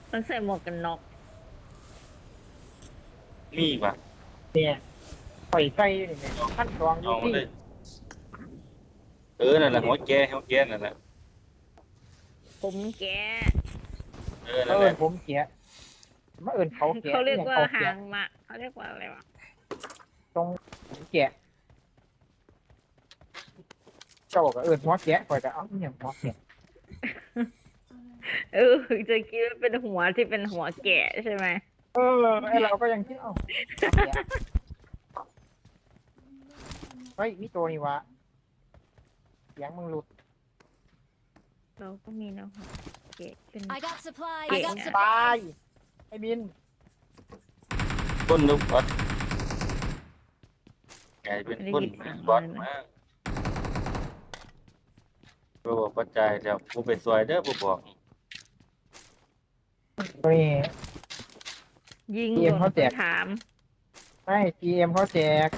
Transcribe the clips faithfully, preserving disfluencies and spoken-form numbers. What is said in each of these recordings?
มันใส่หมวกกันน็อกมีป่ะเนี่ยปล่อยไส้อยู่นี่ขั้นตอนอยู่เอามาที่เลยเออนั่นแหละหัวแกหัวแกนั่นแหละผมแกะเออเอนั่นแหละอผมเกียมาเอินเขาเกียเขาเรียกว่าเขาหาเกียงมาเขาเรียกว่าอะไรวะตรงเกียเจ้าก็เอินหัวเกียคอยจะเอาเนี่ยหัวเกียเออจะคิดว่าเป็นหัวที่เป็นหัวแกะใช่ไหมเออไอเราก็ยังคิดเอ้าหัวเกียเฮ้ยมีตัวนี่วะเสียงมึงหลุดเราก็มีนะหัวแกะเป็น I got supplies. เก่ I ง got อะ supplies. ตายไอ้บินก้นลูกบอลกลายเป็นก้นบอลมาบ่บอกปัจจัยแล้วกูไปซอยเด้อบ่บอกตัวนี้ยิงเกมโดนเขาแจกถามไม่จีเอ็มเขาแจก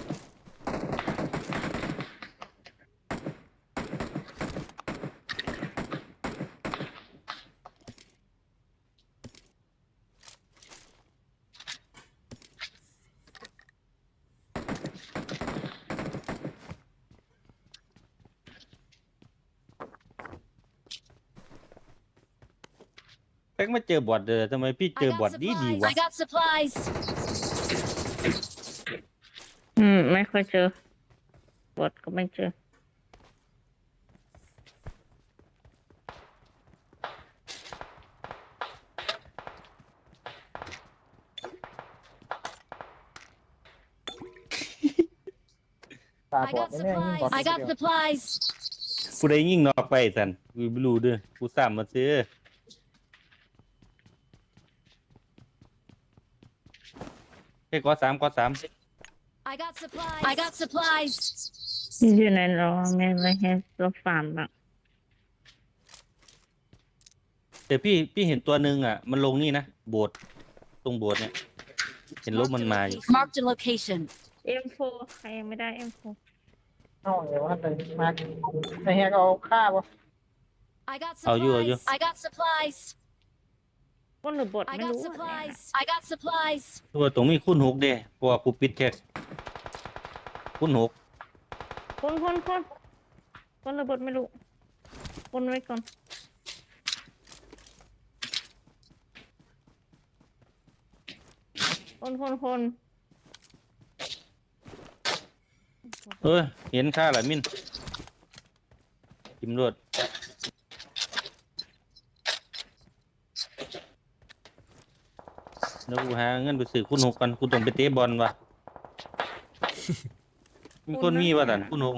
แพ็กมาเจอบอทเด้อทำไมพี่เจ I อบอ got ทดีดี supplies. วะ I got supplies. อืมไม่ค่อยเจอบทก็ไม่เจอตา I บอด got แน่ๆยิ่งบอด supplies. I got เดียว supplies. กูได้ยิงนอกไปสันกูไม่รู้เด้อกูซ้ำมาซื้อเฮ้ยกอสามกอสาม I got supplies. I got supplies. อยู่ในรอแม่ไม่ให้เราฟาร์มบ้างแต่พี่พี่เห็นตัวหนึ่งอ่ะ มันลงนี่นะโบสถ์ตรงโบสถ์เนี่ย เห็นรถ Marked มัน a มาอยู่ location. Marked a location. เอ็มโฟใครยังไม่ได้เอ็มโฟเอ้าเดี๋ยวว่าเลยมาไอ้แฮกเอาฆ่าบ่ I got Oh, you, oh, you. supplies. I got supplies. คนหรือบท I ไม่ got รู้อะเนี่ย supplies. I got supplies. ตัวตรงนี้คุณหกเด้เพราะว่ากูปิดแค่คุณหกคนคนคนคนหรือบทไม่รู้คนไว้ก่อนคนคนคนเออเห็นค่าละมินจิมรวดแล้วกูหาเงินไปซื้อคุณหกกันกูต้องไปเตะบอลว่ะ มีคนมีว่ะตันคุณหก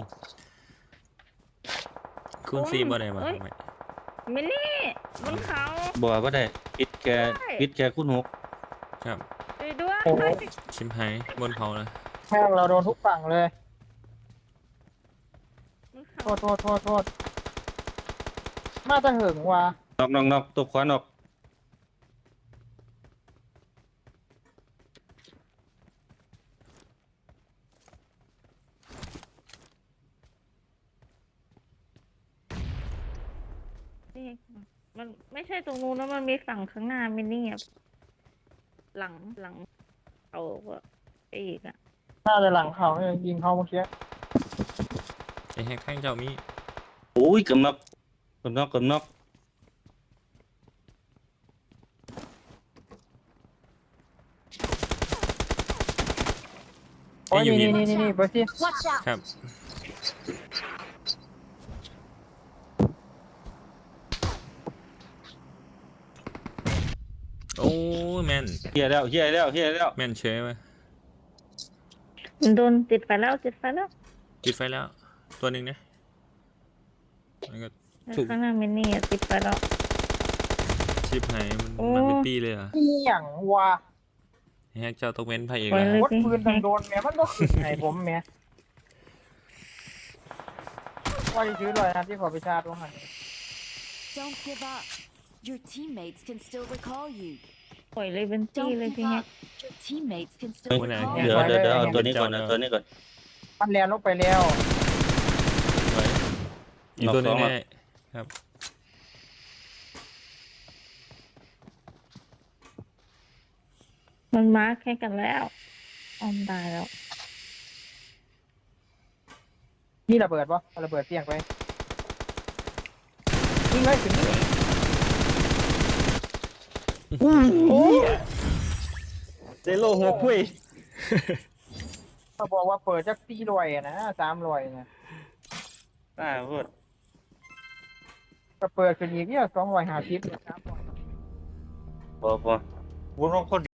คุณซีบ่ได้มาทำไมมินนี่บนเขาบอกว่าได้ปิดแค่ปิดแค่คุณหกครับไปด้วยโอ้โหชิมไฮบนเขานะแม่งเราโดนทุกฝั่งเลยบนโทเขาษโทษโทษโทษมาจะหึงว่ะนอกนอกนอกตัวขวานอกนี่มันไม่ใช่ตรงนู้นแล้วมันมีฝั่งข้างหน้ามินนี่อะหลังหลังเอาก็ไปอีกอ่ะน่าจะหลังเขาเนี่ยยิงเขาเมื่อกี้ไอ้แฮกข้างเจ้ามีโอ้ยกำนอกกำนอกกำนอกโอ้ยนี่นี่นี่นี่เบอร์ซี่ Watch out. ครับโอ้ยแมนเฮียแล้วเฮียแล้วเฮียแล้วแมนเชยไหมมันโดนติดไฟแล้วติดไฟแล้วติดไฟแล้ว ตัวหนึ่งนะมันก็ ถูกข้างหน้ามินนี่อะติดไฟแล้วชิปไฮมันโอ้มันเป็นปีเลยเหรอ่ะเอี่ยงว่ะแฮกเจ้าต้องเว้นพระเอกปล่อยแล้วเลยวัดปืนดังโดนแม่มันก็ขึ้นให้ผมแม่ว่าจะซื้อเลยนะที่ขอไปชาร์จว่าหัน Don't give up. Your teammates can still recall you. ปล่อยเลยเป็นจี้ Don't เลย give ทีเนี้ย up. Your teammates can เฮ้ย still recall เดี๋ยว you. เดี๋ยวเดี๋ยวเอาตัวนี้ก่อนเอาตัวนี้ก่อนมันแลนลงไปแล้วไว้อีกตัวหนึงนอกสองแน่ครับมันมาร์คให้กันแล้วออมตายแล้วนี่ระเบิดปะเอาระเบิดเสี่ยงไปยิงเลยถึงนี่โอ้เดโลหัวคุยเขาบอกว่าเปิดจากสี่ร้อยอะนะสามร้อยนะอ่าพูดก็เปิดขึ้นอีกเนี่ยสองร้อยห้าสิบสามร้อยพอพอวุ้นคน